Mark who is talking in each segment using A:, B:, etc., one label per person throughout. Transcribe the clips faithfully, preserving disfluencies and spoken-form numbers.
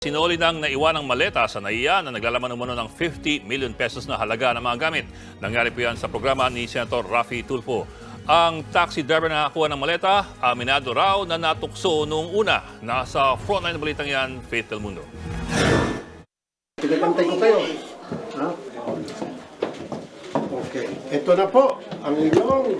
A: Sinuli ng naiwanang maleta sa NAIA na naglalaman umano ng fifty million pesos na halaga ng mga gamit. Nangyari po yan sa programa ni Senator Raffy Tulfo. Ang taxi driver na nakakuha ng maleta, aminado raw na natukso noong una. Nasa frontline na balitang yan, Faith Del Mundo.
B: Pinagantay ko kayo. Ha? Okay. Ito na po ang inyong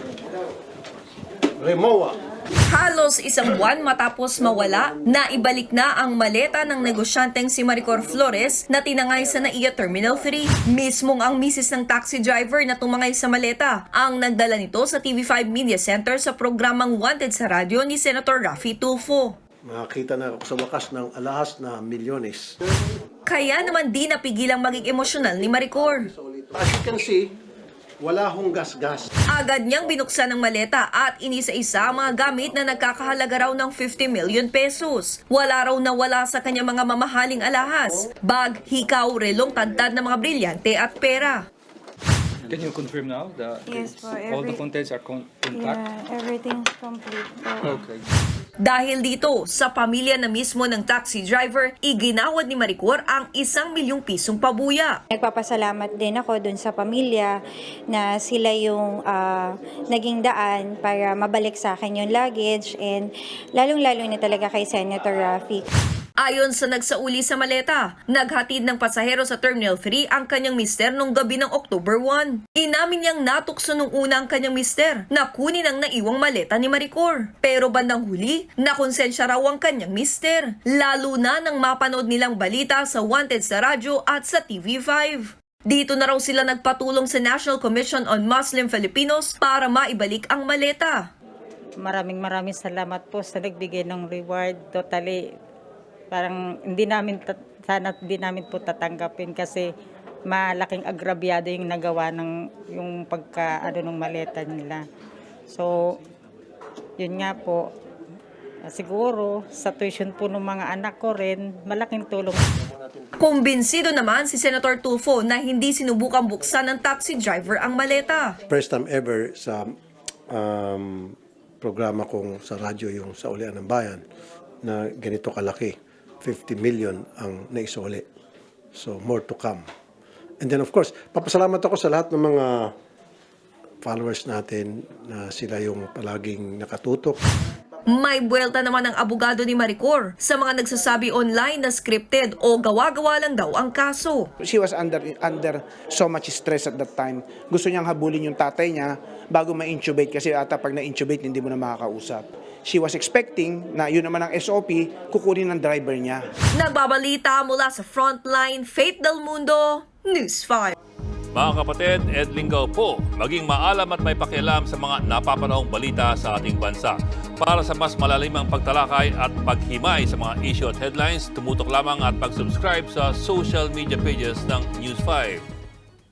B: Remoa.
C: Halos isang buwan matapos mawala, naibalik na ang maleta ng negosyanteng si Maricor Flores na tinangay sa NAIA Terminal three. Mismong ang misis ng taxi driver na tumangay sa maleta ang nagdala nito sa T V five Media Center sa programang Wanted sa radyo ni Senator Raffy Tulfo.
B: Makakita na ako sa wakas ng alahas na milyones.
C: Kaya naman di napigilang maging emosyonal ni Maricor.
B: As you can see, wala hong gas-gas.
C: Agad niyang binuksan ng maleta at inisa-isa ang mga gamit na nagkakahalaga raw ng fifty million pesos. Wala raw nawala sa kanyang mga mamahaling alahas, bag, hikaw, relong, tantad ng mga brilyante at pera.
D: Can you confirm now that
E: Yes,
D: it's-
E: for
D: all the
E: every-
D: contents are con- intact?
E: Yeah, everything's complete. po.
D: Okay.
C: Dahil dito, sa pamilya na mismo ng taxi driver, iginawad ni Maricor ang isang milyong pisong pabuya.
E: Nagpapasalamat din ako dun sa pamilya na sila yung ah, naging daan para mabalik sa akin yung luggage and lalong-lalo na talaga kay Senator Raffy.
C: Ayon sa nagsauli sa maleta, naghatid ng pasahero sa Terminal three ang kanyang mister nung gabi ng October one. Inamin niyang natukso nung una ang kanyang mister na kunin ang naiwang maleta ni Maricor. Pero bandang huli, nakonsensya raw ang kanyang mister. Lalo na nang mapanood nilang balita sa Wanted sa radyo at sa T V five. Dito na raw sila nagpatulong sa National Commission on Muslim Filipinos para maibalik ang maleta.
F: Maraming maraming salamat po sa nagbigay ng reward. Totally, parang hindi namin, tat- sana hindi namin po tatanggapin kasi malaking agrabyado yung nagawa ng yung pagka, ano, ng maleta nila. So, yun nga po, siguro sa tuition po ng mga anak ko rin, malaking tulong.
C: Kumbinsido naman si Senator Tulfo na hindi sinubukang buksan ng taxi driver ang maleta.
B: First time ever sa um, programa kong sa radyo, yung sa Ulian ng Bayan, na ganito kalaki. fifty million ang naisuli. So, more to come. And then, of course, papasalamat ako sa lahat ng mga followers natin na sila yung palaging nakatutok.
C: May buwelta naman ang abogado ni Maricor sa mga nagsasabi online na scripted o gawa-gawa lang daw ang kaso.
G: She was under under so much stress at that time. Gusto niyang habulin yung tatay niya bago ma-intubate kasi ata pag na-intubate hindi mo na makakausap. She was expecting na yun naman ang S O P, kukunin ng driver niya.
C: Nagbabalita mula sa Frontline, Faith Del Mundo, News five.
A: Mga kapatid, Ed Lingaw po, maging maalam at may pakialam sa mga napapanahong balita sa ating bansa. Para sa mas malalimang pagtalakay at paghimay sa mga issue at headlines, tumutok lamang at pag-subscribe sa social media pages ng News five.